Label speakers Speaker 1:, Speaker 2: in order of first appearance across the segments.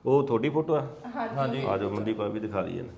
Speaker 1: ਉਹ ਤੁਹਾਡੀ ਫੋਟੋ ਆ?
Speaker 2: ਹਾਂਜੀ।
Speaker 1: ਆ ਜਾਓ ਮਨਦੀਪ ਆ ਵੀ ਦਿਖਾ ਦਈਏ ਨਾ।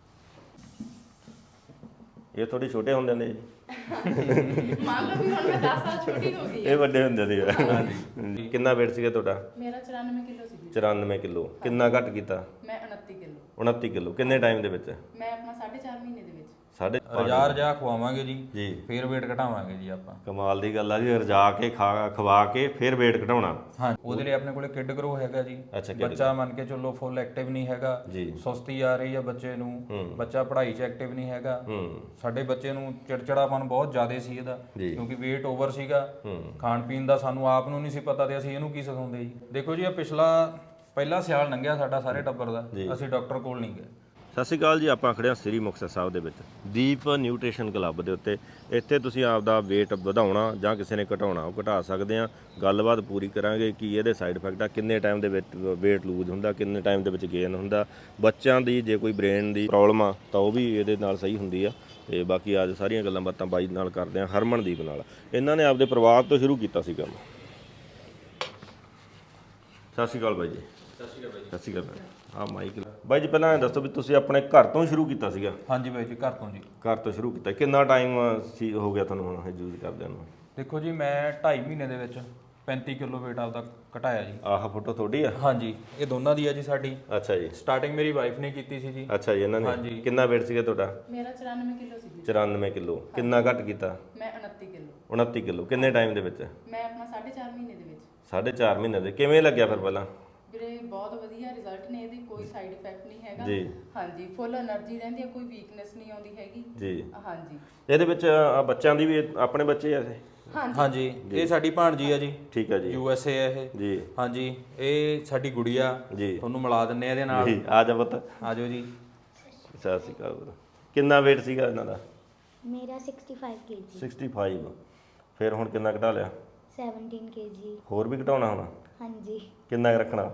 Speaker 1: ਇਹ ਥੋੜੀ ਛੋਟੇ ਹੁੰਦੇ ਨੇ ਜੀ।
Speaker 2: ਮੰਨ ਲਓ ਵੀ ਹੁਣ ਮੈਂ 10 ਸਾਲ ਛੋਟੀ ਹੋ ਗਈ
Speaker 1: ਇਹ ਵੱਡੇ ਹੁੰਦੇ ਸੀ। ਕਿੰਨਾ weight ਸੀਗਾ ਤੁਹਾਡਾ?
Speaker 2: ਮੇਰਾ 94 ਕਿਲੋ ਸੀ ਜੀ।
Speaker 1: 94 ਕਿਲੋ। ਕਿੰਨਾ ਘੱਟ ਕੀਤਾ?
Speaker 2: ਮੈਂ 29 ਕਿਲੋ।
Speaker 1: 29 ਕਿਲੋ। ਕਿੰਨੇ ਟਾਈਮ ਦੇ ਵਿੱਚ?
Speaker 2: ਮੈਂ ਆਪਣਾ 4.5 ਮਹੀਨੇ ਦੇ ਵਿੱਚ।
Speaker 1: ਸਾਡੇ
Speaker 3: ਰਜਾ ਖਵਾਵਾਂਗੇ ਜੀ
Speaker 1: ਜੀ,
Speaker 3: ਫੇਰ weight ਘਟਾਵਾਂਗੇ ਜੀ ਆਪਾਂ।
Speaker 1: ਕਮਾਲ ਦੀ ਗੱਲ ਆ ਜੀ, ਰਜਾ ਕੇ ਖਵਾ ਕੇ ਫਿਰ weight ਘਟਾਉਣਾ।
Speaker 3: ਹਾਂ, ਉਹਦੇ ਲਈ ਆਪਣੇ ਕੋਲੇ ਕਿਡ ਗਰੋ ਹੈਗਾ ਜੀ।
Speaker 1: ਅੱਛਾ,
Speaker 3: ਬੱਚਾ ਮੰਨ ਕੇ ਚੱਲੋ ਫੁੱਲ ਐਕਟਿਵ ਨਹੀਂ ਹੈਗਾ
Speaker 1: ਜੀ,
Speaker 3: ਸੁਸਤੀ ਆ ਰਹੀ ਹੈ ਬੱਚੇ ਨੂੰ, ਬੱਚਾ ਪੜ੍ਹਾਈ 'ਚ ਐਕਟਿਵ ਨਹੀਂ ਹੈਗਾ। ਸਾਡੇ ਬੱਚੇ ਨੂੰ ਚਿੜਚਿੜਾਪਨ ਬਹੁਤ ਜ਼ਿਆਦਾ ਸੀ ਇਹਦਾ, ਕਿਉਂਕਿ weight ਓਵਰ ਸੀਗਾ। ਖਾਣ ਪੀਣ ਦਾ ਸਾਨੂੰ ਆਪ ਨੂੰ ਨਹੀਂ ਸੀ ਪਤਾ ਤੇ ਅਸੀਂ ਇਹਨੂੰ ਕੀ ਸਿਖਾਉਂਦੇ ਜੀ। ਦੇਖੋ ਜੀ, ਇਹ ਪਹਿਲਾ ਸਿਆਲ ਲੰਘਿਆ ਸਾਡਾ ਸਾਰੇ ਟੱਬਰ ਦਾ, ਅਸੀਂ ਡਾਕਟਰ ਕੋਲ ਨਹੀਂ ਗਏ।
Speaker 1: ਸਤਿ ਸ਼੍ਰੀ ਅਕਾਲ ਜੀ। ਆਪਾਂ ਖੜੇ ਹਾਂ ਸ੍ਰੀ ਮੁਕਤਸਰ ਸਾਹਿਬ ਦੇ ਵਿੱਚ ਦੀਪ ਨਿਊਟ੍ਰੀਸ਼ਨ ਕਲੱਬ ਦੇ ਉੱਤੇ। ਇੱਥੇ ਤੁਸੀਂ ਆਪਦਾ weight ਵਧਾਉਣਾ ਜਾਂ ਕਿਸੇ ਨੇ ਘਟਾਉਣਾ, ਉਹ ਘਟਾ ਸਕਦੇ ਆ। ਗੱਲਬਾਤ ਪੂਰੀ ਕਰਾਂਗੇ ਕੀ ਇਹਦੇ ਸਾਈਡ ਇਫੈਕਟ ਆ, ਕਿੰਨੇ ਟਾਈਮ ਦੇ ਵਿੱਚ weight ਲੂਜ਼ ਹੁੰਦਾ, ਕਿੰਨੇ ਟਾਈਮ ਦੇ ਵਿੱਚ ਗੇਨ ਹੁੰਦਾ। ਬੱਚਿਆਂ ਦੀ ਜੇ ਕੋਈ ਬ੍ਰੇਨ ਦੀ ਪ੍ਰੋਬਲਮ ਆ ਤਾਂ ਉਹ ਵੀ ਇਹਦੇ ਨਾਲ ਸਹੀ ਹੁੰਦੀ ਆ। ਤੇ ਬਾਕੀ ਅੱਜ ਸਾਰੀਆਂ ਗੱਲਾਂ ਬਾਤਾਂ ਬਾਈ ਨਾਲ ਕਰਦੇ ਆ, ਹਰਮਨਦੀਪ ਨਾਲ। ਇਹਨਾਂ ਨੇ ਆਪਦੇ ਪਰਿਵਾਰ ਤੋਂ ਸ਼ੁਰੂ ਕੀਤਾ ਸੀ ਕੰਮ। ਸਤਿ ਸ਼੍ਰੀ ਅਕਾਲ ਬਾਈ ਜੀ।
Speaker 3: ਸਤਿ ਸ਼੍ਰੀ ਅਕਾਲ ਬਾਈ ਜੀ।
Speaker 1: ਸਤਿ ਸ਼੍ਰੀ ਅਕਾਲ। ਹਾਂ ਮਾਈਕ ਬਾਈ ਜੀ, ਪਹਿਲਾਂ ਇਹ ਦੱਸੋ ਵੀ ਤੁਸੀਂ ਆਪਣੇ ਘਰ ਤੋਂ ਸ਼ੁਰੂ ਕੀਤਾ ਸੀਗਾ?
Speaker 3: ਹਾਂਜੀ ਬਾਈ ਜੀ, ਘਰ ਤੋਂ ਜੀ।
Speaker 1: ਘਰ ਤੋਂ ਸ਼ੁਰੂ ਕੀਤਾ। ਕਿੰਨਾ ਟਾਈਮ ਸੀ ਹੋ ਗਿਆ ਤੁਹਾਨੂੰ ਹੁਣ ਇਹ ਯੂਜ਼ ਕਰਦਿਆਂ ਨੂੰ?
Speaker 3: ਦੇਖੋ ਜੀ, ਮੈਂ 2.5 ਮਹੀਨੇ ਦੇ ਵਿੱਚ 35 ਕਿਲੋ weight ਆਪਦਾ ਘਟਾਇਆ ਜੀ।
Speaker 1: ਆਹ ਫੋਟੋ ਤੁਹਾਡੀ ਆ?
Speaker 3: ਹਾਂਜੀ, ਇਹ ਦੋਨਾਂ ਦੀ ਆ ਜੀ ਸਾਡੀ।
Speaker 1: ਅੱਛਾ ਜੀ।
Speaker 3: ਸਟਾਰਟਿੰਗ ਮੇਰੀ ਵਾਈਫ ਨੇ ਕੀਤੀ ਸੀ ਜੀ।
Speaker 1: ਅੱਛਾ ਜੀ। ਇਹਨਾਂ ਨੇ ਕਿੰਨਾ weight ਸੀਗਾ ਤੁਹਾਡਾ?
Speaker 2: ਮੇਰਾ 94 ਕਿਲੋ ਸੀ ਜੀ।
Speaker 1: 94 ਕਿਲੋ। ਕਿੰਨਾ ਘੱਟ ਕੀਤਾ?
Speaker 2: ਮੈਂ 29 ਕਿਲੋ।
Speaker 1: 29 ਕਿਲੋ। ਕਿੰਨੇ ਟਾਈਮ ਦੇ ਵਿੱਚ?
Speaker 2: ਮੈਂ ਆਪਣਾ 4.5 ਮਹੀਨੇ ਦੇ ਵਿੱਚ।
Speaker 1: 4.5 ਮਹੀਨੇ ਦੇ। ਕਿਵੇਂ ਲੱਗਿਆ ਫਿਰ ਪਹਿਲਾਂ?
Speaker 2: ਵੀਰੇ ਬਹੁਤ ਵਧੀਆ ਰਿਜ਼ਲਟ ਨੇ ਇਹਦੇ, ਕੋਈ ਸਾਈਡ ਇਫੈਕਟ ਨਹੀਂ ਹੈਗਾ
Speaker 1: ਜੀ।
Speaker 2: ਹਾਂਜੀ, ਫੁੱਲ એનર્ਜੀ ਰਹਿੰਦੀ ਹੈ, ਕੋਈ ਵੀਕਨੈਸ ਨਹੀਂ ਆਉਂਦੀ ਹੈਗੀ
Speaker 1: ਜੀ।
Speaker 2: ਹਾਂਜੀ।
Speaker 1: ਇਹਦੇ ਵਿੱਚ ਬੱਚਿਆਂ ਦੀ ਵੀ ਆਪਣੇ ਬੱਚੇ ਆ ਇਹ?
Speaker 3: ਹਾਂਜੀ, ਇਹ ਸਾਡੀ ਭਾਣਜੀ ਆ ਜੀ।
Speaker 1: ਠੀਕ ਹੈ ਜੀ।
Speaker 3: USA ਹੈ ਇਹ
Speaker 1: ਜੀ।
Speaker 3: ਹਾਂਜੀ, ਇਹ ਸਾਡੀ ਗੁੜੀਆ
Speaker 1: ਜੀ।
Speaker 3: ਤੁਹਾਨੂੰ ਮਿਲਾ ਦਿੰਨੇ ਆ ਇਹਦੇ ਨਾਲ।
Speaker 1: ਜੀ, ਆ ਜਾ ਪੁੱਤ।
Speaker 3: ਆ ਜਾਓ ਜੀ।
Speaker 1: ਸਤਿ ਸ਼੍ਰੀ ਅਕਾਲ। ਕਿੰਨਾ weight ਸੀਗਾ ਇਹਨਾਂ ਦਾ?
Speaker 4: ਮੇਰਾ 65 kg।
Speaker 1: 65। ਫਿਰ ਹੁਣ ਕਿੰਨਾ ਘਟਾ ਲਿਆ?
Speaker 4: 17 kg।
Speaker 1: ਹੋਰ ਵੀ ਘਟਾਉਣਾ ਹੁਣ?
Speaker 4: ਹਾਂਜੀ।
Speaker 1: ਕਿੰਨਾ ਕੁ ਰੱਖਣਾ?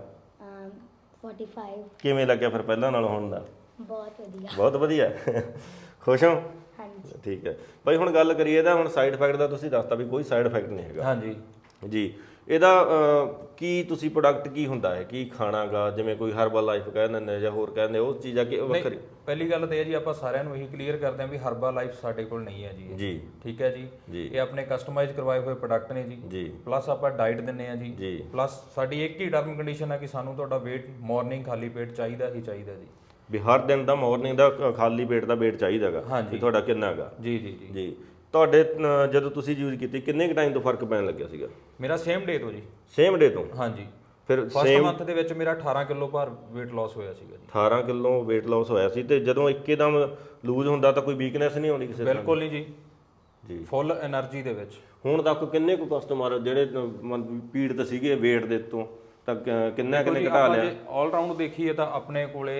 Speaker 4: 45।
Speaker 1: ਕਿਵੇਂ ਲੱਗਿਆ ਫਿਰ ਪਹਿਲਾਂ ਨਾਲੋਂ ਹੁਣ ਦਾ?
Speaker 4: ਬਹੁਤ ਵਧੀਆ।
Speaker 1: ਬਹੁਤ ਵਧੀਆ। ਖੁਸ਼ ਹੋ?
Speaker 4: ਹਾਂਜੀ।
Speaker 1: ਠੀਕ ਹੈ ਬਾਈ। ਹੁਣ ਗੱਲ ਕਰੀਏ ਇਹਦਾ। ਹੁਣ ਸਾਈਡ ਇਫੈਕਟ ਦਾ ਤੁਸੀਂ ਦੱਸਤਾ ਵੀ ਕੋਈ ਸਾਈਡ ਇਫੈਕਟ ਨਹੀਂ ਹੈਗਾ।
Speaker 3: ਹਾਂਜੀ
Speaker 1: ਜੀ। ਇਹਦਾ ਕੀ ਤੁਸੀਂ ਪ੍ਰੋਡਕਟ ਕੀ ਹੁੰਦਾ ਹੈ, ਕੀ ਖਾਣਾਗਾ? ਜਿਵੇਂ ਕੋਈ ਹਰਬਲ ਲਾਈਫ ਕਹਿ ਦਿੰਦੇ ਜਾਂ ਹੋਰ ਕਹਿੰਦੇ, ਉਹ ਚੀਜ਼ਾਂ ਕਿ ਵੱਖਰੀ?
Speaker 3: ਪਹਿਲੀ ਗੱਲ ਤਾਂ ਇਹ ਜੀ, ਆਪਾਂ ਸਾਰਿਆਂ ਨੂੰ ਇਹੀ ਕਲੀਅਰ ਕਰਦੇ ਹਾਂ ਵੀ ਹਰਬਲ ਲਾਈਫ ਸਾਡੇ ਕੋਲ ਨਹੀਂ ਹੈ ਜੀ।
Speaker 1: ਜੀ।
Speaker 3: ਠੀਕ ਹੈ ਜੀ। ਇਹ ਆਪਣੇ ਕਸਟਮਾਈਜ਼ ਕਰਵਾਏ ਹੋਏ ਪ੍ਰੋਡਕਟ ਨੇ ਜੀ।
Speaker 1: ਜੀ।
Speaker 3: ਪਲੱਸ ਆਪਾਂ ਡਾਈਟ ਦਿੰਨੇ ਆ ਜੀ।
Speaker 1: ਜੀ।
Speaker 3: ਪਲੱਸ ਸਾਡੀ ਇੱਕ ਹੀ ਟਰਮ ਕੰਡੀਸ਼ਨ ਹੈ ਕਿ ਸਾਨੂੰ ਤੁਹਾਡਾ weight ਮਾਰਨਿੰਗ ਖਾਲੀ ਪੇਟ ਚਾਹੀਦਾ ਹੀ ਚਾਹੀਦਾ ਜੀ।
Speaker 1: ਵੀ ਹਰ ਦਿਨ ਦਾ ਮਾਰਨਿੰਗ ਦਾ ਖਾਲੀ ਪੇਟ ਦਾ weight ਚਾਹੀਦਾਗਾ
Speaker 3: ਹਾਂਜੀ।
Speaker 1: ਤੁਹਾਡਾ ਕਿੰਨਾ ਹੈਗਾ?
Speaker 3: ਜੀ ਜੀ ਜੀ
Speaker 1: ਜੀ। ਤੁਹਾਡੇ ਜਦੋਂ ਤੁਸੀਂ ਯੂਜ਼ ਕੀਤੀ ਕਿੰਨੇ ਕੁ ਟਾਈਮ ਤੋਂ ਫਰਕ ਪੈਣ ਲੱਗਿਆ ਸੀਗਾ?
Speaker 3: ਮੇਰਾ ਸੇਮ ਡੇ ਤੋਂ ਜੀ।
Speaker 1: ਸੇਮ ਡੇ ਤੋਂ?
Speaker 3: ਹਾਂਜੀ।
Speaker 1: ਫਿਰ
Speaker 3: ਫਸਟ ਮੰਥ ਦੇ ਵਿੱਚ ਮੇਰਾ 18 ਕਿਲੋ ਭਾਰ weight loss ਹੋਇਆ ਸੀਗਾ ਜੀ।
Speaker 1: 18 ਕਿਲੋ weight loss ਹੋਇਆ ਸੀ। ਤੇ ਜਦੋਂ ਇੱਕਦਮ ਲੂਜ਼ ਹੁੰਦਾ ਤਾਂ ਕੋਈ ਵੀਕਨੈਸ ਨਹੀਂ ਆਉਂਦੀ ਕਿਸੇ ਤਰ੍ਹਾਂ?
Speaker 3: ਬਿਲਕੁਲ ਨਹੀਂ ਜੀ।
Speaker 1: ਜੀ।
Speaker 3: ਫੁੱਲ એનર્ਜੀ ਦੇ ਵਿੱਚ।
Speaker 1: ਹੁਣ ਤੱਕ ਕਿੰਨੇ ਕੁ ਕਸਟਮਰ ਜਿਹੜੇ ਪੀੜਤ ਸੀਗੇ weight ਦੇ ਤੋਂ ਤਾਂ ਕਿੰਨੇ ਘਟਾ ਲਿਆ?
Speaker 3: ਆਲ ਰਾਊਂਡ ਦੇਖੀਏ ਤਾਂ ਆਪਣੇ ਕੋਲੇ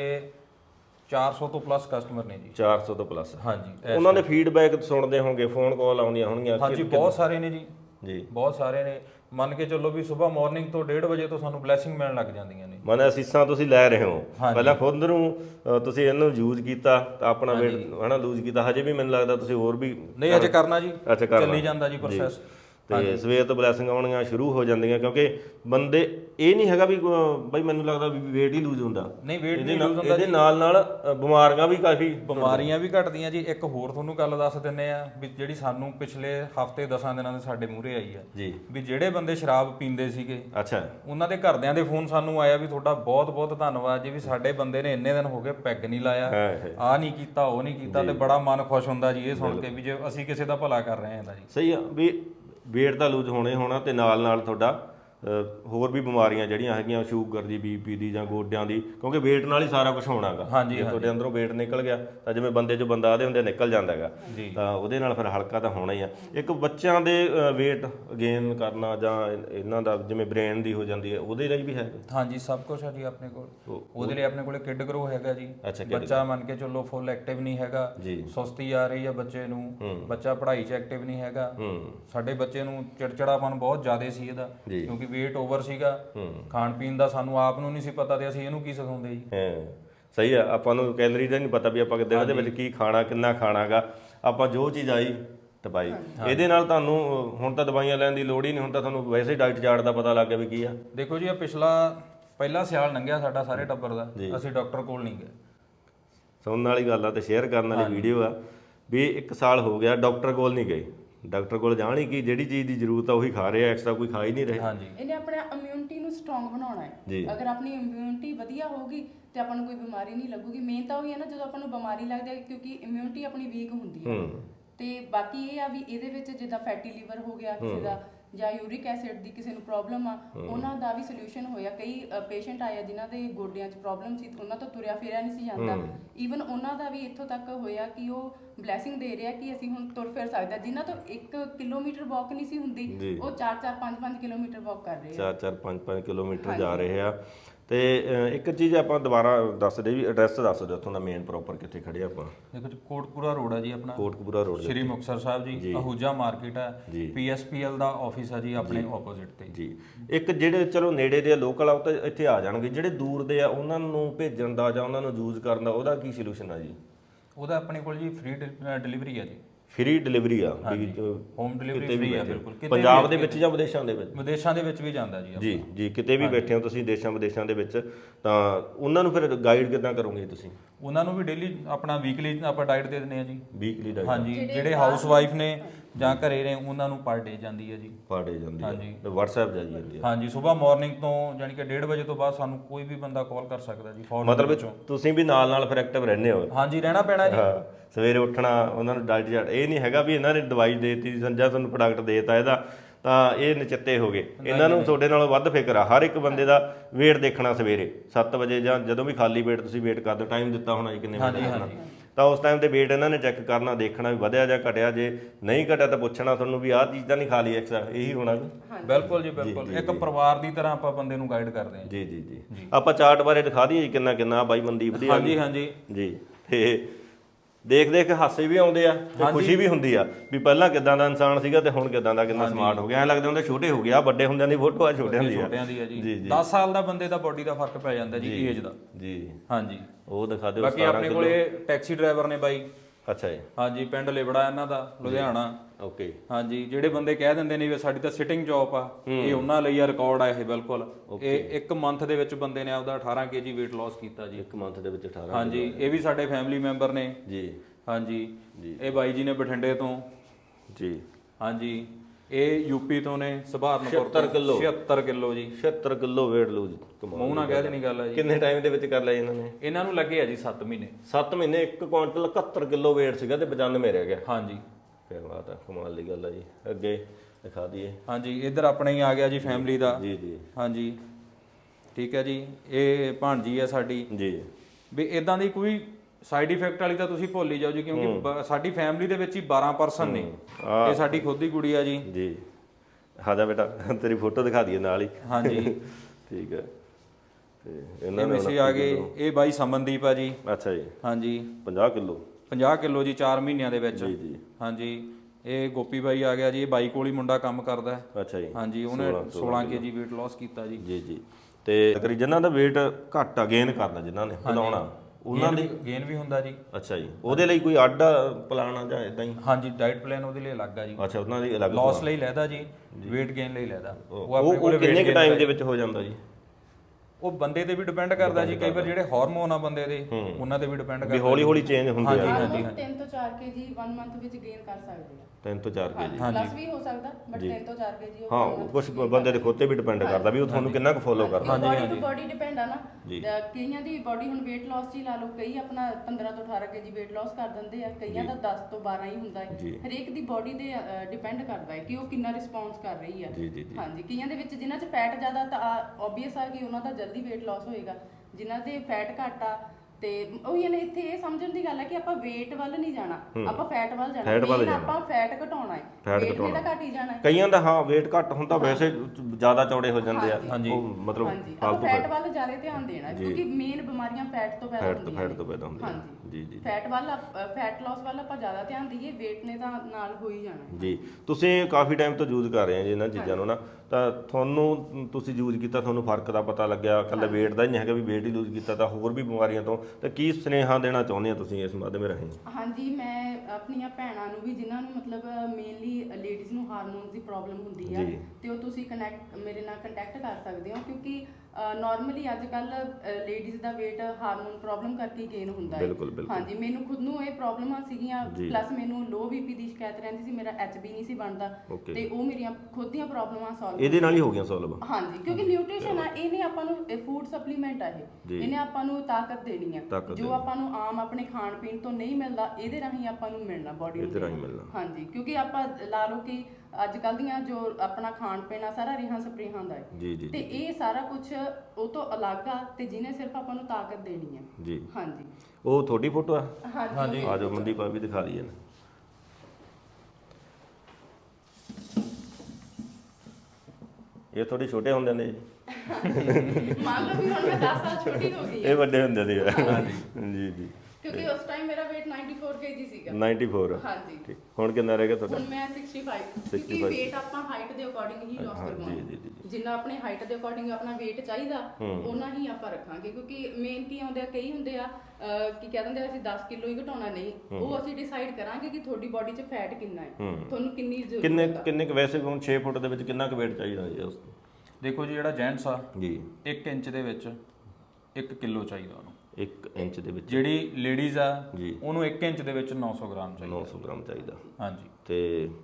Speaker 3: 400 ਤੋਂ ਪਲੱਸ ਕਸਟਮਰ ਨੇ ਜੀ।
Speaker 1: 400 ਤੋਂ ਪਲੱਸ?
Speaker 3: ਹਾਂਜੀ।
Speaker 1: ਉਹਨਾਂ ਦੇ ਫੀਡਬੈਕ ਸੁਣਦੇ ਹੋਵੋਗੇ, ਫੋਨ ਕਾਲ ਆਉਂਦੀਆਂ ਹੋਣਗੀਆਂ?
Speaker 3: ਹਾਂਜੀ, ਬਹੁਤ ਸਾਰੇ ਨੇ ਜੀ।
Speaker 1: ਜੀ।
Speaker 3: ਬਹੁਤ ਸਾਰੇ ਨੇ। ਮੰਨ ਕੇ ਚੱਲੋ ਵੀ ਸਵੇਰ ਮਾਰਨਿੰਗ ਤੋਂ 1:30 ਵਜੇ ਤੋਂ ਸਾਨੂੰ ਬਲੇਸਿੰਗ ਮਿਲਣ ਲੱਗ ਜਾਂਦੀਆਂ ਨੇ।
Speaker 1: ਮਨ ਅਸੀਸਾਂ ਤੁਸੀਂ ਲੈ ਰਹੇ ਹੋ। ਪਹਿਲਾਂ ਖੁਦ ਨੂੰ ਤੁਸੀਂ ਇਹਨੂੰ ਯੂਜ਼ ਕੀਤਾ ਤਾਂ ਆਪਣਾ weight ਹਨਾ ਲੂਜ਼ ਕੀਤਾ। ਹਜੇ ਵੀ ਮੈਨੂੰ ਲੱਗਦਾ ਤੁਸੀਂ ਹੋਰ ਵੀ
Speaker 3: ਨਹੀਂ, ਹਜੇ ਕਰਨਾ ਜੀ।
Speaker 1: ਅੱਛਾ, ਕਰਨਾ
Speaker 3: ਚੱਲੀ ਜਾਂਦਾ ਜੀ ਪ੍ਰੋਸੈਸ।
Speaker 1: ਤੇ ਸਵੇਰ ਤੋਂ ਬਲੈਸਿੰਗ ਆਉਣੀਆਂ ਸ਼ੁਰੂ ਹੋ ਜਾਂਦੀਆਂ, ਕਿਉਂਕਿ ਬੰਦੇ ਇਹ ਨਹੀਂ ਹੈਗਾ ਵੀ ਬਈ ਮੈਨੂੰ ਲੱਗਦਾ ਵੀ weight ਹੀ ਲੂਜ਼ ਹੁੰਦਾ।
Speaker 3: ਨਹੀਂ, weight ਨਹੀਂ ਲੂਜ਼ ਹੁੰਦਾ।
Speaker 1: ਇਹਦੇ ਨਾਲ ਨਾਲ ਬਿਮਾਰੀਆਂ ਵੀ ਕਾਫੀ
Speaker 3: ਬਿਮਾਰੀਆਂ ਵੀ ਘਟਦੀਆਂ ਜੀ। ਇੱਕ ਹੋਰ ਤੁਹਾਨੂੰ ਗੱਲ ਦੱਸ ਦਿੰਨੇ ਆ ਵੀ ਜਿਹੜੀ ਸਾਨੂੰ ਪਿਛਲੇ ਹਫਤੇ 10 ਦਿਨਾਂ ਦੇ ਸਾਡੇ ਮੂਹਰੇ ਆਈ ਆ
Speaker 1: ਜੀ।
Speaker 3: ਵੀ ਜਿਹੜੇ ਬੰਦੇ ਸ਼ਰਾਬ ਪੀਂਦੇ ਸੀਗੇ,
Speaker 1: ਅੱਛਾ,
Speaker 3: ਉਹਨਾਂ ਦੇ ਘਰਦਿਆਂ ਦੇ ਫੋਨ ਸਾਨੂੰ ਆਇਆ ਵੀ ਤੁਹਾਡਾ ਬਹੁਤ ਬਹੁਤ ਧੰਨਵਾਦ ਜੀ, ਵੀ ਸਾਡੇ ਬੰਦੇ ਨੇ ਇੰਨੇ ਦਿਨ ਹੋ ਗਏ ਪੈਗ ਨਹੀਂ ਲਾਇਆ, ਆਹ ਨਹੀਂ ਕੀਤਾ, ਉਹ ਨਹੀਂ ਕੀਤਾ। ਤੇ ਬੜਾ ਮਨ ਖੁਸ਼ ਹੁੰਦਾ ਜੀ ਇਹ ਸੁਣ ਕੇ ਵੀ ਜੇ ਅਸੀਂ ਕਿਸੇ ਦਾ ਭਲਾ ਕਰ ਰਹੇ ਹਾਂ ਤਾਂ ਜੀ।
Speaker 1: ਸਹੀ ਆ ਵੀ weight ਤਾਂ ਲੂਜ਼ ਹੋਣਾ ਤੇ ਨਾਲ ਨਾਲ ਤੁਹਾਡਾ ਹੋਰ ਵੀ ਬਿਮਾਰੀਆਂ ਜਿਹੜੀਆਂ ਹੈਗੀਆਂ, ਸ਼ੂਗਰ ਦੀ, ਬੀਪੀ ਦੀ ਜਾਂ ਗੋਡਿਆਂ ਦੀ, ਕਿਉਂਕਿ weight ਨਾਲ ਹੀ ਸਾਰਾ ਕੁਝ ਹੋਣਾਗਾ। ਜੇ ਤੁਹਾਡੇ ਅੰਦਰੋਂ weight ਨਿਕਲ ਗਿਆ ਤਾਂ ਜਿਵੇਂ ਬੰਦੇ 'ਚੋਂ ਬੰਦਾ ਆਦੇ ਹੁੰਦੇ ਨਿਕਲ ਜਾਂਦਾ ਹੈਗਾ, ਤਾਂ ਉਹਦੇ ਨਾਲ ਫਿਰ ਹਲਕਾ ਤਾਂ ਹੋਣਾ ਹੀ ਆ। ਇੱਕ ਬੱਚਿਆਂ ਦੇ weight ਗੇਨ ਕਰਨਾ ਜਾਂ ਇਹਨਾਂ ਦਾ ਜਿਵੇਂ ਬ੍ਰੇਨ ਦੀ ਹੋ ਜਾਂਦੀ ਹੈ, ਉਹਦੇ ਲਈ ਵੀ ਹੈ?
Speaker 3: ਹਾਂਜੀ, ਸਭ ਕੁਝ ਹੈ ਜੀ ਆਪਣੇ ਕੋਲ। ਉਹਦੇ ਲਈ ਆਪਣੇ ਕੋਲੇ ਕਿਡ ਗਰੋ ਹੈਗਾ ਜੀ। ਬੱਚਾ ਮੰਨ ਕੇ ਚੱਲੋ ਫੁੱਲ ਐਕਟਿਵ ਨਹੀਂ ਹੈਗਾ, ਸੁਸਤੀ ਆ ਰਹੀ ਹੈ ਬੱਚੇ ਨੂੰ, ਬੱਚਾ ਪੜ੍ਹਾਈ 'ਚ ਐਕਟਿਵ ਨਹੀਂ ਹੈਗਾ। ਸਾਡੇ ਬੱਚੇ ਨੂੰ ਚਿੜਚਿੜਾਪਨ ਬਹੁਤ ਜ਼ਿਆਦਾ ਸੀ ਇਹਦਾ, ਕਿਉਂਕਿ weight ਓਵਰ ਸੀਗਾ। ਖਾਣ ਪੀਣ ਦਾ ਸਾਨੂੰ ਆਪ ਨੂੰ ਨਹੀਂ ਸੀ ਪਤਾ ਤੇ ਅਸੀਂ ਇਹਨੂੰ ਕੀ ਸਿਖਾਉਂਦੇ ਜੀ।
Speaker 1: ਸਹੀ ਆ। ਆਪਾਂ ਨੂੰ ਕੈਲਰੀ ਦਾ ਨਹੀਂ ਪਤਾ ਵੀ ਆਪਾਂ ਦਿਨ ਦੇ ਵਿੱਚ ਕੀ ਖਾਣਾ, ਕਿੰਨਾ ਖਾਣਾਗਾ। ਆਪਾਂ ਜੋ ਚੀਜ਼ ਆਈ ਦਵਾਈ, ਇਹਦੇ ਨਾਲ ਤੁਹਾਨੂੰ ਹੁਣ ਤਾਂ ਦਵਾਈਆਂ ਲੈਣ ਦੀ ਲੋੜ ਹੀ ਨਹੀਂ। ਹੁਣ ਤਾਂ ਤੁਹਾਨੂੰ ਵੈਸੇ ਹੀ ਡਾਈਟ ਚਾਰਟ ਦਾ ਪਤਾ ਲੱਗ ਗਿਆ ਵੀ ਕੀ ਆ।
Speaker 3: ਦੇਖੋ ਜੀ, ਇਹ ਪਿਛਲਾ ਪਹਿਲਾ ਸਿਆਲ ਲੰਘਿਆ ਸਾਡਾ ਸਾਰੇ ਟੱਬਰ ਦਾ, ਅਸੀਂ ਡਾਕਟਰ ਕੋਲ ਨਹੀਂ ਗਏ।
Speaker 1: ਸੁਣਨ ਵਾਲੀ ਗੱਲ ਆ ਤੇ ਸ਼ੇਅਰ ਕਰਨ ਵਾਲੀ ਵੀਡੀਓ ਆ ਵੀ 1 ਸਾਲ ਹੋ ਗਿਆ ਡਾਕਟਰ ਕੋਲ ਨਹੀਂ ਗਏ। ਡਾਕਟਰ ਕੋਲ ਜਾਣ ਹੀ ਕਿ ਜਿਹੜੀ ਚੀਜ਼ ਦੀ ਜ਼ਰੂਰਤ ਆ ਉਹੀ ਖਾ ਰਹੇ ਆ, ਐਕਸਟਰਾ ਕੋਈ ਖਾ ਹੀ ਨਹੀਂ ਰਹੇ।
Speaker 3: ਹਾਂਜੀ,
Speaker 2: ਇਹਨੇ ਆਪਣੇ ਇਮਿਊਨਿਟੀ ਨੂੰ ਸਟਰੋਂਗ ਬਣਾਉਣਾ ਹੈ। ਅਗਰ ਆਪਣੀ ਇਮਿਊਨਿਟੀ ਵਧੀਆ ਹੋਊਗੀ ਤੇ ਆਪਾਂ ਨੂੰ ਕੋਈ ਬਿਮਾਰੀ ਨਹੀਂ ਲੱਗੂਗੀ। ਮੇਨ ਤਾਂ ਉਹੀ ਹੈ ਨਾ, ਜਦੋਂ ਆਪਾਂ ਨੂੰ ਬਿਮਾਰੀ ਲੱਗਦੀ ਹੈ ਕਿਉਂਕਿ ਇਮਿਊਨਿਟੀ ਆਪਣੀ ਵੀਕ ਹੁੰਦੀ ਹੈ। ਤੇ ਬਾਕੀ ਇਹ ਆ ਵੀ ਇਹਦੇ ਵਿੱਚ ਜਿੱਦਾਂ ਫੈਟੀ ਲੀਵਰ ਹੋ ਗਿਆ ਕਿਸੇ ਦਾ, ਜਾਂ ਯੂਰਿਕ ਐਸਿਡ ਦੀ ਕਿਸੇ ਨੂੰ ਪ੍ਰੋਬਲਮ ਆ, ਉਹਨਾਂ ਦਾ ਵੀ ਸੋਲੂਸ਼ਨ ਹੋਇਆ। ਕਈ ਪੇਸ਼ੈਂਟ ਆਏ ਆ ਜਿਨ੍ਹਾਂ ਦੇ ਗੋਡਿਆਂ 'ਚ ਪ੍ਰੋਬਲਮ ਸੀ, ਉਹਨਾਂ ਤੋਂ ਤੁਰਿਆ ਫਿਰਿਆ ਨਹੀਂ ਸੀ ਜਾਂਦਾ। ਈਵਨ ਉਹਨਾਂ ਦਾ ਵੀ ਇੱਥੋਂ ਤੱਕ ਹੋਇਆ ਕਿ ਉਹ ਬਲੈਸਿੰਗ ਦੇ ਰਿਹਾ ਕਿ ਅਸੀਂ ਹੁਣ ਤੁਰ ਫਿਰ ਸਕਦੇ ਹਾਂ। ਜਿਨ੍ਹਾਂ ਤੋਂ 1 ਕਿਲੋਮੀਟਰ ਵਾਕ ਨਹੀਂ ਸੀ ਹੁੰਦੀ, ਉਹ 4-4 5-5 ਕਿਲੋਮੀਟਰ ਵਾਕ ਕਰ ਰਹੇ ਆ।
Speaker 1: 4-4 5-5 ਕਿਲੋਮੀਟਰ ਜਾ ਰਹੇ ਆ। ਤੇ ਇੱਕ ਚੀਜ਼ ਆਪਾਂ ਦੁਬਾਰਾ ਦੱਸ ਦੇ ਵੀ ਐਡਰੈਸ ਦੱਸ ਦਿਓ ਉੱਥੋਂ ਦਾ ਮੇਨ ਪ੍ਰੋਪਰ ਕਿੱਥੇ ਖੜੇ ਆਪਾਂ।
Speaker 3: ਦੇਖੋ ਜੀ ਕੋਟਕਪੂਰਾ ਰੋਡ ਹੈ ਜੀ ਆਪਣਾ,
Speaker 1: ਕੋਟਕਪੂਰਾ ਰੋਡ
Speaker 3: ਸ਼੍ਰੀ ਮੁਕਤਸਰ ਸਾਹਿਬ ਜੀ, ਅਹੂਜਾ ਮਾਰਕੀਟ ਹੈ, PSPL ਦਾ ਆਫਿਸ ਹੈ ਜੀ ਆਪਣੇ ਆਪੋਜ਼ਿਟ ਤੇ
Speaker 1: ਜੀ। ਇੱਕ ਜਿਹੜੇ ਚਲੋ ਨੇੜੇ ਦੇ ਲੋਕਲ ਆ ਉਹ ਤਾਂ ਇੱਥੇ ਆ ਜਾਣਗੇ, ਜਿਹੜੇ ਦੂਰ ਦੇ ਆ ਉਹਨਾਂ ਨੂੰ ਭੇਜਣ ਦਾ ਜਾਂ ਉਹਨਾਂ ਨੂੰ ਯੂਜ਼ ਕਰਨ ਦਾ ਉਹਦਾ ਕੀ ਸੋਲੂਸ਼ਨ ਆ ਜੀ?
Speaker 3: ਉਹਦਾ ਆਪਣੇ ਕੋਲ ਜੀ ਫ੍ਰੀ ਡਿਲੀਵਰੀ ਹੈ ਜੀ।
Speaker 1: ਫ੍ਰੀ ਡਿਲੀਵਰੀ ਆ
Speaker 3: ਹੋਮ ਡਿਲੀਵਰੀ ਫ੍ਰੀ ਆ ਬਿਲਕੁਲ।
Speaker 1: ਪੰਜਾਬ ਦੇ ਵਿੱਚ ਜਾਂ ਵਿਦੇਸ਼ਾਂ ਦੇ ਵਿੱਚ?
Speaker 3: ਵਿਦੇਸ਼ਾਂ ਦੇ ਵਿੱਚ ਵੀ ਜਾਂਦਾ ਜੀ।
Speaker 1: ਜੀ ਜੀ, ਕਿਤੇ ਵੀ ਬੈਠੇ ਹੋ ਤੁਸੀਂ ਦੇਸ਼ਾਂ ਵਿਦੇਸ਼ਾਂ ਦੇ ਵਿੱਚ, ਤਾਂ ਉਹਨਾਂ ਨੂੰ ਫਿਰ ਗਾਈਡ ਕਿੱਦਾਂ ਕਰੋਗੇ ਤੁਸੀਂ?
Speaker 3: ਉਹਨਾਂ ਨੂੰ ਵੀ ਡੇਲੀ ਆਪਣਾ ਵੀਕਲੀ ਆਪਾਂ ਡਾਈਟ ਦੇ ਦਿੰਦੇ ਆ ਜੀ।
Speaker 1: Weekly diet?
Speaker 3: ਹਾਂਜੀ, ਜਿਹੜੇ ਹਾਊਸ ਵਾਈਫ ਨੇ ਜਾਂ ਘਰੇ ਨੇ ਉਹਨਾਂ ਨੂੰ ਪਰ ਡੇ ਜਾਂਦੀ ਹੈ ਜੀ।
Speaker 1: ਪਰ ਡੇ ਜਾਂਦੀ ਹੈ?
Speaker 3: ਹਾਂਜੀ,
Speaker 1: WhatsApp ਜਾ ਜਾਂਦੀ ਹੈ?
Speaker 3: ਹਾਂਜੀ, ਸਵੇਰ ਮਾਰਨਿੰਗ ਤੋਂ ਯਾਨੀ ਕਿ 1:30 ਵਜੇ ਤੋਂ ਬਾਅਦ ਸਾਨੂੰ ਕੋਈ ਵੀ ਬੰਦਾ ਕਾਲ ਕਰ ਸਕਦਾ ਜੀ ਫੋਨ।
Speaker 1: ਮਤਲਬ ਤੁਸੀਂ ਵੀ ਨਾਲ ਨਾਲ ਫਿਰ ਐਕਟਿਵ ਰਹਿੰਦੇ ਹੋ?
Speaker 3: ਹਾਂਜੀ, ਰਹਿਣਾ ਪੈਣਾ ਜੀ।
Speaker 1: ਹਾਂ, ਸਵੇਰੇ ਉੱਠਣਾ, ਉਹਨਾਂ ਨੂੰ ਡਾਈਟ ਚਾਰਟ, ਇਹ ਨਹੀਂ ਹੈਗਾ ਵੀ ਇਹਨਾਂ ਨੇ ਦਵਾਈ ਦੇਤੀ ਜਾਂ ਤੁਹਾਨੂੰ ਪ੍ਰੋਡਕਟ ਦੇਤਾ ਇਹਦਾ ਤਾਂ ਇਹ ਨਚਿੱਤੇ ਹੋ ਗਏ। ਇਹਨਾਂ ਨੂੰ ਤੁਹਾਡੇ ਨਾਲੋਂ ਵੱਧ ਫਿਕਰ ਆ। ਹਰ ਇੱਕ ਬੰਦੇ ਦਾ ਵੇਟ ਦੇਖਣਾ ਸਵੇਰੇ 7 ਵਜੇ ਜਾਂ ਜਦੋਂ ਵੀ ਖਾਲੀ ਵੇਟ ਤੁਸੀਂ ਵੇਟ ਕਰਦੇ ਟਾਈਮ ਦਿੱਤਾ ਹੋਣਾ ਜੀ ਕਿੰਨੇ ਵਜੇ ਉੱਠਣਾ, ਤਾਂ ਉਸ ਟਾਈਮ ਤੇ ਵੇਟ ਇਹਨਾਂ ਨੇ ਚੈੱਕ ਕਰਨਾ, ਦੇਖਣਾ ਵੀ ਵਧਿਆ ਜਾਂ ਘਟਿਆ। ਜੇ ਨਹੀਂ ਘਟਿਆ ਤਾਂ ਪੁੱਛਣਾ ਤੁਹਾਨੂੰ ਵੀ ਆਹ ਚੀਜ਼ ਤਾਂ ਨਹੀਂ ਖਾ ਲਈ ਐਕਸਟਰਾ, ਇਹੀ ਹੋਣਾ ਜੀ।
Speaker 3: ਬਿਲਕੁਲ ਜੀ ਬਿਲਕੁਲ, ਇੱਕ ਪਰਿਵਾਰ ਦੀ ਤਰ੍ਹਾਂ ਆਪਾਂ ਬੰਦੇ ਨੂੰ ਗਾਈਡ ਕਰਦੇ ਹਾਂ।
Speaker 1: ਜੀ ਜੀ ਜੀ। ਆਪਾਂ ਚਾਰਟ ਬਾਰੇ ਦਿਖਾ ਦਈਏ ਕਿੰਨਾ ਕਿੰਨਾ ਬਾਈ ਮਨਦੀਪ ਦੀ?
Speaker 3: ਹਾਂਜੀ ਹਾਂਜੀ
Speaker 1: ਜੀ। ਤੇ ਦੇਖ ਦੇਖ ਹਾਸੇ ਵੀ ਆਉਂਦੇ ਆ ਤੇ ਖੁਸ਼ੀ ਵੀ ਹੁੰਦੀ ਆ ਵੀ ਪਹਿਲਾਂ ਕਿਦਾਂ ਦਾ ਇਨਸਾਨ ਸੀਗਾ ਤੇ ਹੁਣ ਕਿਦਾਂ ਦਾ ਕਿੰਨਾ ਸਮਾਰਟ ਹੋ ਗਿਆ। ਐਂ ਲੱਗਦੇ ਹੁੰਦੇ ਛੋਟੇ ਹੋ ਗਿਆ, ਵੱਡੇ ਹੁੰਦਿਆਂ ਦੀ ਫੋਟੋ ਆ ਛੋਟਿਆਂ ਦੀ
Speaker 3: ਆ ਜੀ। 10 ਸਾਲ ਦਾ ਬੰਦੇ ਦਾ ਬੋਡੀ ਦਾ ਫਰਕ ਪੈ ਜਾਂਦਾ ਜੀ ਏਜ ਦਾ।
Speaker 1: ਜੀ
Speaker 3: ਹਾਂਜੀ,
Speaker 1: ਉਹ ਦਿਖਾ ਦਿਓ।
Speaker 3: ਬਾਕੀ ਆਪਣੇ ਕੋਲੇ ਟੈਕਸੀ ਡਰਾਈਵਰ ਨੇ ਬਾਈ।
Speaker 1: ਅੱਛਾ ਜੀ।
Speaker 3: ਹਾਂਜੀ, ਪਿੰਡ ਲਿਬੜਾ ਇਹਨਾਂ ਦਾ, ਲੁਧਿਆਣਾ।
Speaker 1: ਓਕੇ।
Speaker 3: ਹਾਂਜੀ, ਜਿਹੜੇ ਬੰਦੇ ਕਹਿ ਦਿੰਦੇ ਨੇ ਵੀ ਸਾਡੀ ਤਾਂ ਸਿਟਿੰਗ ਜੌਬ ਆ, ਇਹ ਉਹਨਾਂ ਲਈ ਆ ਰਿਕਾਰਡ ਆ ਇਹ ਬਿਲਕੁਲ। ਇਹ 1 ਮੰਥ ਦੇ ਵਿੱਚ ਬੰਦੇ ਨੇ ਆਪਦਾ 18 kg weight loss ਕੀਤਾ ਜੀ।
Speaker 1: 1 ਮੰਥ ਦੇ ਵਿੱਚ 18?
Speaker 3: ਹਾਂਜੀ, ਇਹ ਵੀ ਸਾਡੇ ਫੈਮਿਲੀ ਮੈਂਬਰ ਨੇ
Speaker 1: ਜੀ।
Speaker 3: ਹਾਂਜੀ, ਇਹ ਬਾਈ ਜੀ ਨੇ ਬਠਿੰਡੇ ਤੋਂ
Speaker 1: ਜੀ।
Speaker 3: ਹਾਂਜੀ, ਇਹ ਯੂਪੀ ਤੋਂ ਨੇ, ਸਹਾਰਨਪੁਰ
Speaker 1: 76 ਕਿਲੋ?
Speaker 3: 76 ਕਿਲੋ ਜੀ।
Speaker 1: 76 ਕਿਲੋ weight lose?
Speaker 3: ਮੂੰਹ ਨਾਲ ਕਹਿ ਦੇਣੀ ਗੱਲ ਆ ਜੀ।
Speaker 1: ਕਿੰਨੇ ਟਾਈਮ ਦੇ ਵਿੱਚ ਕਰ ਲਿਆ ਇਹਨਾਂ ਨੇ?
Speaker 3: ਇਹਨਾਂ ਨੂੰ ਲੱਗੇ ਆ ਜੀ 7 ਮਹੀਨੇ।
Speaker 1: 7 ਮਹੀਨੇ। 1 ਕੁਆਂਟਲ 71 ਕਿਲੋ weight ਸੀਗਾ ਤੇ 95 ਰਹਿ ਗਿਆ।
Speaker 3: ਹਾਂਜੀ,
Speaker 1: ਫਿਰ ਬਾਤ ਆ, ਕਮਾਲ ਦੀ ਗੱਲ ਆ ਜੀ। ਅੱਗੇ ਦਿਖਾ ਦਈਏ।
Speaker 3: ਹਾਂਜੀ, ਇੱਧਰ ਆਪਣੇ ਹੀ ਆ ਗਿਆ ਜੀ ਫੈਮਿਲੀ ਦਾ।
Speaker 1: ਜੀ ਜੀ।
Speaker 3: ਹਾਂਜੀ, ਠੀਕ ਹੈ ਜੀ। ਇਹ ਭਾਣਜੀ ਆ ਸਾਡੀ
Speaker 1: ਜੀ।
Speaker 3: ਵੀ ਇਦਾਂ ਦੀ ਕੋਈ ਸਾਈਡ ਇਫੈਕਟ ਵਾਲੀ ਤਾਂ ਤੁਸੀਂ ਭੁੱਲ ਹੀ ਜਾਓ ਜੀ, ਕਿਉਂਕਿ ਸਾਡੀ ਫੈਮਿਲੀ ਦੇ ਵਿੱਚ ਹੀ 12 ਪਰਸਨ ਨੇ। ਇਹ ਸਾਡੀ ਖੁਦ ਦੀ ਕੁੜੀ ਆ ਜੀ।
Speaker 1: ਜੀ। ਆ ਜਾ ਬੇਟਾ, ਤੇਰੀ ਫੋਟੋ ਦਿਖਾ ਦਈਏ ਨਾਲ ਹੀ।
Speaker 3: ਹਾਂਜੀ
Speaker 1: ਠੀਕ ਹੈ। ਤੇ
Speaker 3: ਇਹ ਮਿਸੇ ਆ ਗਏ। ਇਹ ਬਾਈ ਸਮਨਦੀਪ ਆ ਜੀ।
Speaker 1: ਅੱਛਾ ਜੀ।
Speaker 3: ਹਾਂਜੀ,
Speaker 1: 50 ਕਿਲੋ?
Speaker 3: 50 ਕਿਲੋ ਜੀ 4 ਮਹੀਨਿਆਂ ਦੇ ਵਿੱਚ।
Speaker 1: ਜੀ ਜੀ।
Speaker 3: ਹਾਂਜੀ, ਇਹ ਗੋਪੀ ਬਾਈ ਆ ਗਿਆ ਜੀ। ਇਹ ਬਾਈ ਕੋਲ ਹੀ ਮੁੰਡਾ ਕੰਮ ਕਰਦਾ।
Speaker 1: ਅੱਛਾ ਜੀ।
Speaker 3: ਹਾਂਜੀ, ਉਹਨੇ 16 kg weight loss ਕੀਤਾ ਜੀ।
Speaker 1: ਜੀ ਜੀ। ਤੇ ਕਰੀ ਜਿਨ੍ਹਾਂ ਦਾ weight ਘੱਟ ਆ, ਗੇਨ ਕਰਨਾ ਜਿਨ੍ਹਾਂ ਨੇ, ਵਧਾਉਣਾ, ਉਹਨਾਂ ਦੀ
Speaker 3: ਗੇਨ ਵੀ ਹੁੰਦਾ ਜੀ।
Speaker 1: ਅੱਛਾ ਜੀ। ਉਹਦੇ ਲਈ ਕੋਈ ਅੱਡ ਪਲਾਨ ਆ ਜਾਂ ਇਦਾਂ ਹੀ?
Speaker 3: ਹਾਂਜੀ, ਡਾਈਟ ਪਲਾਨ ਉਹਦੇ ਲਈ ਅਲੱਗ ਆ ਜੀ।
Speaker 1: ਅੱਛਾ, ਉਹਨਾਂ ਦੀ ਅਲੱਗ?
Speaker 3: ਲਾਸ ਲਈ ਲੈਦਾ ਜੀ, weight gain ਲਈ ਲੈਦਾ।
Speaker 1: ਉਹ ਕਿੰਨੇ ਕੁ ਟਾਈਮ ਦੇ ਵਿੱਚ ਹੋ ਜਾਂਦਾ ਜੀ?
Speaker 3: ਉਹ ਬੰਦੇ ਤੇ ਵੀ ਡਿਪੈਂਡ ਕਰਦਾ ਜੀ। ਕਈ ਵਾਰ ਜਿਹੜੇ ਹਾਰਮੋਨ ਆ ਬੰਦੇ ਦੇ, ਉਹਨਾਂ ਤੇ ਵੀ ਡਿਪੈਂਡ ਕਰਦਾ।
Speaker 1: ਵੀ ਹੌਲੀ ਹੌਲੀ ਚੇਂਜ ਹੁੰਦੇ ਆ?
Speaker 3: ਹਾਂਜੀ
Speaker 2: 3 ਤੋਂ 4 kg 1 ਮੰਥ ਵਿੱਚ ਗੇਨ ਕਰ ਸਕਦੇ ਆ।
Speaker 1: 3 ਤੋਂ 4 kg?
Speaker 2: ਪਲੱਸ ਵੀ ਹੋ ਸਕਦਾ, ਬਟ 3 ਤੋਂ 4 kg
Speaker 1: ਹਾਂ, ਕੁਝ ਬੰਦੇ ਦੇ ਖੁਦ ਤੇ ਵੀ ਡਿਪੈਂਡ ਕਰਦਾ ਵੀ ਉਹ ਤੁਹਾਨੂੰ ਕਿੰਨਾ ਕੁ ਫੋਲੋ ਕਰਦਾ।
Speaker 2: ਬੋਡੀ ਟੂ ਬੋਡੀ ਡਿਪੈਂਡ ਆ ਨਾ। ਕਈਆਂ ਦੀ ਬੋਡੀ ਹੁਣ weight loss ਚ ਹੀ ਲਾ ਲਓ, ਕਈ ਆਪਣਾ 15 ਤੋਂ 18 kg weight loss ਕਰ ਦਿੰਦੇ ਆ, ਕਈਆਂ ਦਾ 10 ਤੋਂ 12 ਹੀ ਹੁੰਦਾ ਹੈ। ਹਰੇਕ ਦੀ ਬੋਡੀ ਦੇ ਡਿਪੈਂਡ ਕਰਦਾ ਹੈ ਕਿ ਉਹ ਕਿੰਨਾ ਰਿਸਪੌਂਸ ਕਰ ਰਹੀ ਆ। ਹਾਂਜੀ, ਕਈਆਂ ਦੇ ਵਿੱਚ ਜਿਨ੍ਹਾਂ 'ਚ ਫੈਟ ਜ਼ਿਆਦਾ ਤਾਂ ਆਬਵੀਅਸ ਆ ਕਿ ਉਹਨਾਂ ਦਾ ਜਲਦੀ weight loss ਹੋਏਗਾ। ਜਿਨ੍ਹਾਂ ਦੇ ਫੈਟ ਘੱਟ ਆ ਤੇ ਉਹੀ ਨੇ, ਇੱਥੇ ਇਹ ਸਮਝਣ ਦੀ ਗੱਲ ਹੈ ਕਿ ਆਪਾਂ weight ਵੱਲ ਨਹੀਂ ਜਾਣਾ, ਆਪਾਂ ਫੈਟ ਵੱਲ ਜਾਣਾ। ਆਪਾਂ ਫੈਟ ਘਟਾਉਣਾ ਹੈ, weight ਨੇ ਤਾਂ ਘਟ ਹੀ ਜਾਣਾ ਹੈ।
Speaker 1: ਕਈਆਂ ਦਾ ਹਾਂ weight ਘੱਟ ਹੁੰਦਾ, ਵੈਸੇ ਜ਼ਿਆਦਾ ਚੌੜੇ ਹੋ ਜਾਂਦੇ ਆ। ਉਹ ਮਤਲਬ
Speaker 2: ਫਾਲਤੂ ਫੈਟ ਵੱਲ ਜ਼ਿਆਦਾ ਧਿਆਨ ਦੇਣਾ, ਕਿਉਂਕਿ ਮੇਨ ਬਿਮਾਰੀਆਂ ਫੈਟ ਤੋਂ ਪੈਦਾ ਹੁੰਦੀਆਂ।
Speaker 1: ਫੈਟ ਤੋਂ ਪੈਦਾ ਹੁੰਦੀਆਂ। ਜੀ ਜੀ।
Speaker 2: ਫੈਟ ਵੱਲ, ਫੈਟ ਲਾਸ ਵੱਲ ਆਪਾਂ ਜ਼ਿਆਦਾ ਧਿਆਨ ਦਈਏ, weight ਨੇ ਤਾਂ ਨਾਲ ਹੋ ਹੀ ਜਾਣਾ।
Speaker 1: ਜੀ। ਤੁਸੀਂ ਕਾਫੀ ਟਾਈਮ ਤੋਂ ਯੂਜ਼ ਕਰ ਰਹੇ ਆ ਜੀ ਇਹਨਾਂ ਚੀਜ਼ਾਂ ਨੂੰ ਨਾ, ਤਾਂ ਤੁਹਾਨੂੰ ਤੁਸੀਂ ਯੂਜ਼ ਕੀਤਾ, ਤੁਹਾਨੂੰ ਫਰਕ ਦਾ ਪਤਾ ਲੱਗਿਆ, ਇਕੱਲੇ weight ਦਾ ਹੀ ਨਹੀਂ ਹੈਗਾ ਵੀ weight ਹੀ ਲੂਜ਼ ਕੀਤਾ ਤਾਂ ਹੋਰ ਵੀ ਬਿਮਾਰੀਆਂ ਤੋਂ, ਤਾਂ ਕੀ ਸੁਨੇਹਾ ਦੇਣਾ ਚਾਹੁੰਦੇ ਆ ਤੁਸੀਂ ਇਸ ਮਾਧਿਅਮ ਰਾਹੀਂ?
Speaker 2: ਹਾਂਜੀ, ਮੈਂ ਆਪਣੀਆਂ ਭੈਣਾਂ ਨੂੰ ਵੀ, ਜਿਨ੍ਹਾਂ ਨੂੰ ਮਤਲਬ ਮੇਨਲੀ ਲੇਡੀਜ਼ ਨੂੰ ਹਾਰਮੋਨਸ ਦੀ ਪ੍ਰੋਬਲਮ ਹੁੰਦੀ ਆ, ਤੇ ਉਹ ਤੁਸੀਂ ਮੇਰੇ ਨਾਲ ਕੰਟੈਕਟ ਕਰ ਸਕਦੇ ਹੋ, ਕਿਉਂਕਿ ਨਾਰਮਲੀ ਅੱਜ ਕੱਲ ਲੇਡੀਜ਼ ਦਾ weight ਹਾਰਮੋਨ ਪ੍ਰੋਬਲਮ ਕਰਕੇ ਗੇਨ ਹੁੰਦਾ ਹੈ।
Speaker 1: ਬਿਲਕੁਲ ਬਿਲਕੁਲ
Speaker 2: ਹਾਂਜੀ, ਮੈਨੂੰ ਖੁਦ ਨੂੰ ਇਹ ਪ੍ਰੋਬਲਮਾਂ ਸੀਗੀਆਂ, ਪਲੱਸ ਮੈਨੂੰ ਲੋ ਬੀਪੀ ਦੀ ਸ਼ਿਕਾਇਤ ਰਹਿੰਦੀ ਸੀ, ਮੇਰਾ HB ਨਹੀਂ ਸੀ ਬਣਦਾ, ਤੇ ਉਹ ਮੇਰੀਆਂ ਖੁਦ ਦੀਆਂ ਪ੍ਰੋਬਲਮਾਂ ਸੋਲਵ
Speaker 1: ਇਹਦੇ ਨਾਲ ਹੀ ਹੋ ਗਈਆਂ ਸੋਲਵ।
Speaker 2: ਹਾਂਜੀ, ਕਿਉਂਕਿ ਨਿਊਟ੍ਰੀਸ਼ਨ ਆ, ਇਹਨੇ ਆਪਾਂ ਨੂੰ ਫੂਡ ਸਪਲੀਮੈਂਟ ਆ, ਇਹਨੇ ਆਪਾਂ ਨੂੰ ਤਾਕਤ ਦੇਣੀ ਆ, ਜੋ ਆਪਾਂ ਨੂੰ ਆਮ ਆਪਣੇ ਖਾਣ ਪੀਣ ਤੋਂ ਨਹੀਂ ਮਿਲਦਾ, ਇਹਦੇ ਰਾਹੀਂ ਆਪਾਂ ਨੂੰ ਮਿਲਣਾ ਬੋਡੀ ਨੂੰ।
Speaker 1: ਇਹਦੇ ਰਾਹੀਂ ਮਿਲਣਾ।
Speaker 2: ਹਾਂਜੀ, ਕਿਉਂਕਿ ਆਪਾਂ ਲਾ ਲਓ ਕਿ ਅੱਜ ਕੱਲ ਦੀਆਂ ਜੋ ਆਪਣਾ ਖਾਣ ਪੀਣ ਆ ਸਾਰਾ ਰੇਹਾਂ ਸਪਰੇਹਾਂ ਦਾ ਹੈ, ਤੇ ਇਹ ਸਾਰਾ ਕੁਝ ਉਹ ਤੋਂ ਅਲੱਗ ਆ, ਤੇ ਜਿਹਨੇ ਸਿਰਫ ਆਪਾਂ ਨੂੰ ਤਾਕਤ ਦੇਣੀ ਹੈ
Speaker 1: ਜੀ।
Speaker 2: ਹਾਂਜੀ,
Speaker 1: ਉਹ ਤੁਹਾਡੀ ਫੋਟੋ ਆ?
Speaker 2: ਹਾਂਜੀ,
Speaker 1: ਆ ਜਾਓ ਮਨਦੀਪ ਆ ਵੀ ਦਿਖਾ ਦਈਏ ਨਾ। ਇਹ ਥੋੜੀ ਛੋਟੇ ਹੁੰਦੇ ਨੇ ਜੀ?
Speaker 2: ਮੰਨ ਲਓ ਵੀ ਹੁਣ ਮੈਂ 10 ਸਾਲ ਛੋਟੀ ਹੋ ਗਈ
Speaker 1: ਇਹ ਵੱਡੇ ਹੁੰਦੇ ਸੀ। ਜੀ ਜੀ,
Speaker 2: ਕਿਉਂਕਿ ਉਸ ਟਾਈਮ ਮੇਰਾ weight 94 kg ਸੀਗਾ।
Speaker 1: 94?
Speaker 2: ਹਾਂਜੀ।
Speaker 1: ਠੀਕ, ਹੁਣ ਕਿੰਨਾ ਰਹਿ ਗਿਆ ਤੁਹਾਡਾ?
Speaker 2: ਹੁਣ ਮੈਂ 65, ਕਿਉਂਕਿ weight ਆਪਾਂ ਹਾਈਟ ਦੇ ਅਕੋਰਡਿੰਗ ਹੀ ਲੋਸ ਕਰਵਾਉਣਾ। ਜਿੰਨਾ ਆਪਣੇ ਹਾਈਟ ਦੇ ਅਕੋਰਡਿੰਗ ਆਪਣਾ weight ਚਾਹੀਦਾ, ਉਹਨਾਂ ਹੀ ਆਪਾਂ ਰੱਖਾਂਗੇ, ਕਿਉਂਕਿ ਮੇਨ ਕੀ ਆਉਂਦੇ ਆ, ਕਈ ਹੁੰਦੇ ਆ ਕੀ ਕਹਿ ਦਿੰਦੇ ਆ ਅਸੀਂ 10 ਕਿਲੋ ਹੀ ਘਟਾਉਣਾ, ਨਹੀਂ, ਉਹ ਅਸੀਂ ਡਿਸਾਈਡ ਕਰਾਂਗੇ ਕਿ ਤੁਹਾਡੀ ਬਾਡੀ 'ਚ ਫੈਟ ਕਿੰਨਾ ਹੈ, ਤੁਹਾਨੂੰ ਕਿੰਨੀ ਜ਼ਰੂਰਤ ਹੈ।
Speaker 1: ਕਿੰਨੇ ਵੈਸੇ ਹੁਣ 6 ਫੁੱਟ ਦੇ ਵਿੱਚ ਕਿੰਨਾ ਕੁ weight ਚਾਹੀਦਾ ਜੀ ਉਸ?
Speaker 3: ਦੇਖੋ ਜੀ, ਜਿਹੜਾ ਜੈਂਟਸ ਆ
Speaker 1: ਜੀ
Speaker 3: 1 ਇੰਚ ਦੇ ਵਿੱਚ 1 ਕਿਲੋ ਚਾਹੀਦਾ ਉਹਨੂੰ।
Speaker 1: 1 ਇੰਚ ਦੇ ਵਿੱਚ?
Speaker 3: ਜਿਹੜੀ ਲੇਡੀਜ਼ ਆ
Speaker 1: ਜੀ,
Speaker 3: ਉਹਨੂੰ 1 ਇੰਚ ਦੇ ਵਿੱਚ 900 ਗ੍ਰਾਮ ਚਾਹੀਦਾ।
Speaker 1: 900 ਗ੍ਰਾਮ ਚਾਹੀਦਾ।
Speaker 3: ਹਾਂਜੀ,
Speaker 1: ਤੇ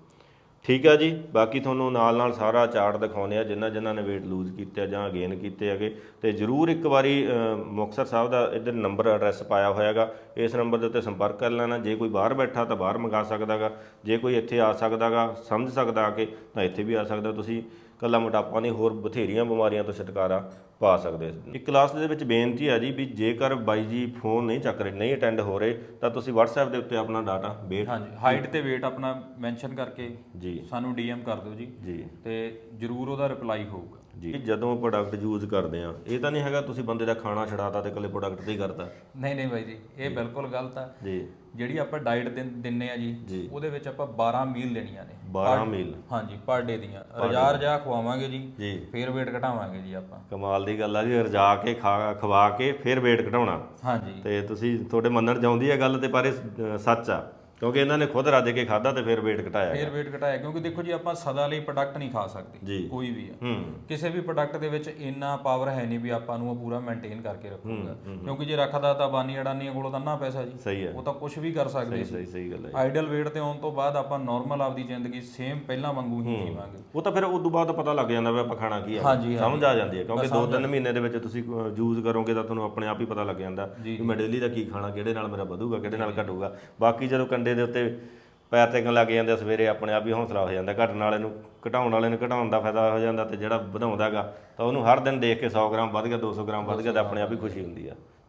Speaker 1: ਠੀਕ ਆ ਜੀ। ਬਾਕੀ ਤੁਹਾਨੂੰ ਨਾਲ ਸਾਰਾ ਚਾਰਟ ਦਿਖਾਉਂਦੇ ਆ, ਜਿਨ੍ਹਾਂ ਨੇ weight lose ਕੀਤੇ ਜਾਂ ਗੇਨ ਕੀਤੇ ਹੈਗੇ, ਤੇ ਜ਼ਰੂਰ ਇੱਕ ਵਾਰੀ ਮੁਕਤਸਰ ਸਾਹਿਬ ਦਾ ਇੱਧਰ ਨੰਬਰ ਐਡਰੈਸ ਪਾਇਆ ਹੋਇਆ ਹੈਗਾ, ਇਸ ਨੰਬਰ ਦੇ ਉੱਤੇ ਸੰਪਰਕ ਕਰ ਲੈਣਾ। ਜੇ ਕੋਈ ਬਾਹਰ ਬੈਠਾ ਤਾਂ ਬਾਹਰ ਮੰਗਾ ਸਕਦਾ ਗਾ, ਜੇ ਕੋਈ ਇੱਥੇ ਆ ਸਕਦਾ ਗਾ, ਸਮਝ ਸਕਦਾ ਆ ਕੇ, ਤਾਂ ਇੱਥੇ ਵੀ ਆ ਸਕਦਾ। ਤੁਸੀਂ ਕੱਲਾ ਮੋਟਾਪਾ ਨਹੀਂ, ਹੋਰ ਬਥੇਰੀਆਂ ਬਿਮਾਰੀਆਂ ਤੋਂ ਛੁਟਕਾਰਾ ਪਾ ਸਕਦੇ। ਇੱਕ ਕਲਾਸ ਦੇ ਵਿੱਚ ਬੇਨਤੀ ਹੈ ਜੀ ਵੀ ਜੇਕਰ ਬਾਈ ਜੀ ਫੋਨ ਨਹੀਂ ਚੱਕ ਰਹੇ, ਨਹੀਂ ਅਟੈਂਡ ਹੋ ਰਹੇ, ਤਾਂ ਤੁਸੀਂ WhatsApp ਦੇ ਉੱਤੇ ਆਪਣਾ ਡਾਟਾ weight,
Speaker 3: ਹਾਂਜੀ, ਹਾਈਟ ਤੇ weight ਆਪਣਾ ਮੈਂਸ਼ਨ ਕਰਕੇ
Speaker 1: ਜੀ
Speaker 3: ਸਾਨੂੰ DM ਕਰ ਦਿਓ ਜੀ, ਤੇ ਜ਼ਰੂਰ ਉਹਦਾ ਰਿਪਲਾਈ ਹੋਊਗਾ
Speaker 1: ਜੀ। ਜਦੋਂ ਪ੍ਰੋਡਕਟ ਯੂਜ਼ ਕਰਦੇ ਆ, ਇਹ ਤਾਂ ਨਹੀਂ ਹੈਗਾ ਤੁਸੀਂ ਬੰਦੇ ਦਾ ਖਾਣਾ ਛਡਾਤਾ ਤੇ ਇਕੱਲੇ ਪ੍ਰੋਡਕਟ ਤੇ ਹੀ ਕਰਤਾ।
Speaker 3: ਨਹੀਂ ਬਾਈ ਜੀ, ਇਹ ਬਿਲਕੁਲ ਗਲਤ ਆ
Speaker 1: ਜੀ।
Speaker 3: ਜਿਹੜੀ ਆਪਾਂ ਡਾਈਟ ਦਿੰਨੇ ਆ ਜੀ, ਉਹਦੇ ਵਿੱਚ ਆਪਾਂ 12 ਮੀਲ ਲੈਣੀਆਂ ਨੇ।
Speaker 1: 12 ਮੀਲ?
Speaker 3: ਹਾਂਜੀ, ਪਰ ਡੇ ਦੀਆਂ। ਰਜਾ ਖਵਾਵਾਂਗੇ ਜੀ, ਫਿਰ weight ਘਟਾਵਾਂਗੇ ਜੀ ਆਪਾਂ।
Speaker 1: ਕਮਾਲ ਦੀ ਗੱਲ ਆ ਜੀ, ਰਜਾ ਕੇ ਖਵਾ ਕੇ ਫਿਰ weight ਘਟਾਉਣਾ।
Speaker 3: ਹਾਂਜੀ,
Speaker 1: ਤੇ ਤੁਸੀਂ ਤੁਹਾਡੇ ਮੰਨਣ ਚਾਹੁੰਦੀ ਹੈ ਗੱਲ, ਤੇ ਪਰ ਇਹ ਸੱਚ ਆ, ਕਿਉਂਕਿ ਇਹਨਾਂ ਨੇ ਖੁਦ ਰੱਜ ਕੇ ਖਾਦਾ ਤੇ ਫਿਰ weight ਘਟਾਇਆ।
Speaker 3: ਫਿਰ weight ਘਟਾਇਆ, ਕਿਉਂਕਿ ਦੇਖੋ ਜੀ, ਆਪਾਂ ਸਦਾ ਲਈ ਪ੍ਰੋਡਕਟ ਨਹੀਂ ਖਾ ਸਕਦੇ, ਕੋਈ ਵੀ ਆ। ਕਿਸੇ ਵੀ ਪ੍ਰੋਡਕਟ ਦੇ ਵਿੱਚ ਇੰਨਾ ਪਾਵਰ ਹੈ ਨਹੀਂ ਵੀ ਆਪਾਂ ਨੂੰ ਉਹ ਪੂਰਾ ਮੇਨਟੇਨ ਕਰਕੇ ਰੱਖੂਗਾ, ਕਿਉਂਕਿ ਜੇ ਰੱਖਦਾ ਤਾਂ ਬਾਨੀ ਅਡਾਨੀਆਂ ਕੋਲੋਂ ਤਾਂ ਨਾ ਪੈਸਾ ਜੀ,
Speaker 1: ਸਹੀ ਹੈ,
Speaker 3: ਉਹ ਤਾਂ ਕੁਝ ਵੀ ਕਰ ਸਕਦੇ ਸੀ।
Speaker 1: ਸਹੀ ਗੱਲ ਹੈ।
Speaker 3: ਆਈਡਲ weight ਤੇ ਆਉਣ ਤੋਂ ਬਾਅਦ ਆਪਾਂ ਨਾਰਮਲ ਆਪਦੀ ਜ਼ਿੰਦਗੀ ਸੇਮ ਪਹਿਲਾਂ ਵਾਂਗੂ ਹੀ ਜੀਵਾਂਗੇ।
Speaker 1: ਉਹ ਤਾਂ ਫਿਰ ਉਸ ਤੋਂ ਬਾਅਦ ਪਤਾ ਲੱਗ ਜਾਂਦਾ ਵੀ ਆਪਾਂ ਖਾਣਾ ਕੀ ਆ, ਸਮਝ ਆ ਜਾਂਦੀ ਹੈ, ਕਿਉਂਕਿ 2-3 ਮਹੀਨੇ ਦੇ ਵਿੱਚ ਤੁਸੀਂ ਯੂਜ਼ ਕਰੋਗੇ ਤਾਂ ਤੁਹਾਨੂੰ ਆਪਣੇ ਆਪ ਹੀ ਪਤਾ ਲੱਗ ਜਾਂਦਾ ਵੀ ਮੈਂ ਡੇਲੀ ਦਾ ਕੀ ਖਾਣਾ, ਕਿਹੜੇ ਨਾਲ ਮੇਰਾ ਵਧੂਗਾ, ਕਿਹੜੇ ਨਾਲ ਘਟੂਗਾ। ਬਾਕੀ ਜਦੋਂ ਕੰਡੇ ਦੇ ਉੱਤੇ ਪੈਰ ਟੇਕਣ ਲੱਗ ਜਾਂਦੇ, ਸਵੇਰੇ ਆਪਣੇ ਆਪ ਹੀ ਹੌਸਲਾ ਹੋ ਜਾਂਦਾ। ਘਟਣ ਵਾਲੇ ਨੂੰ ਘਟਾਉਣ ਵਾਲੇ ਨੂੰ ਘਟਾਉਣ ਦਾ ਫਾਇਦਾ ਹੋ ਜਾਂਦਾ, ਤੇ ਜਿਹੜਾ ਵਧਾਉਂਦਾ ਗਾ ਤਾਂ ਉਹਨੂੰ ਹਰ ਦਿਨ ਦੇਖ ਕੇ 100 ਗ੍ਰਾਮ ਵੱਧ ਗਿਆ, 200 ਗ੍ਰਾਮ ਵੱਧ ਗਿਆ, ਤਾਂ ਆਪਣੇ ਆਪ ਹੀ ਖੁਸ਼ੀ ਹੁੰਦੀ ਆ।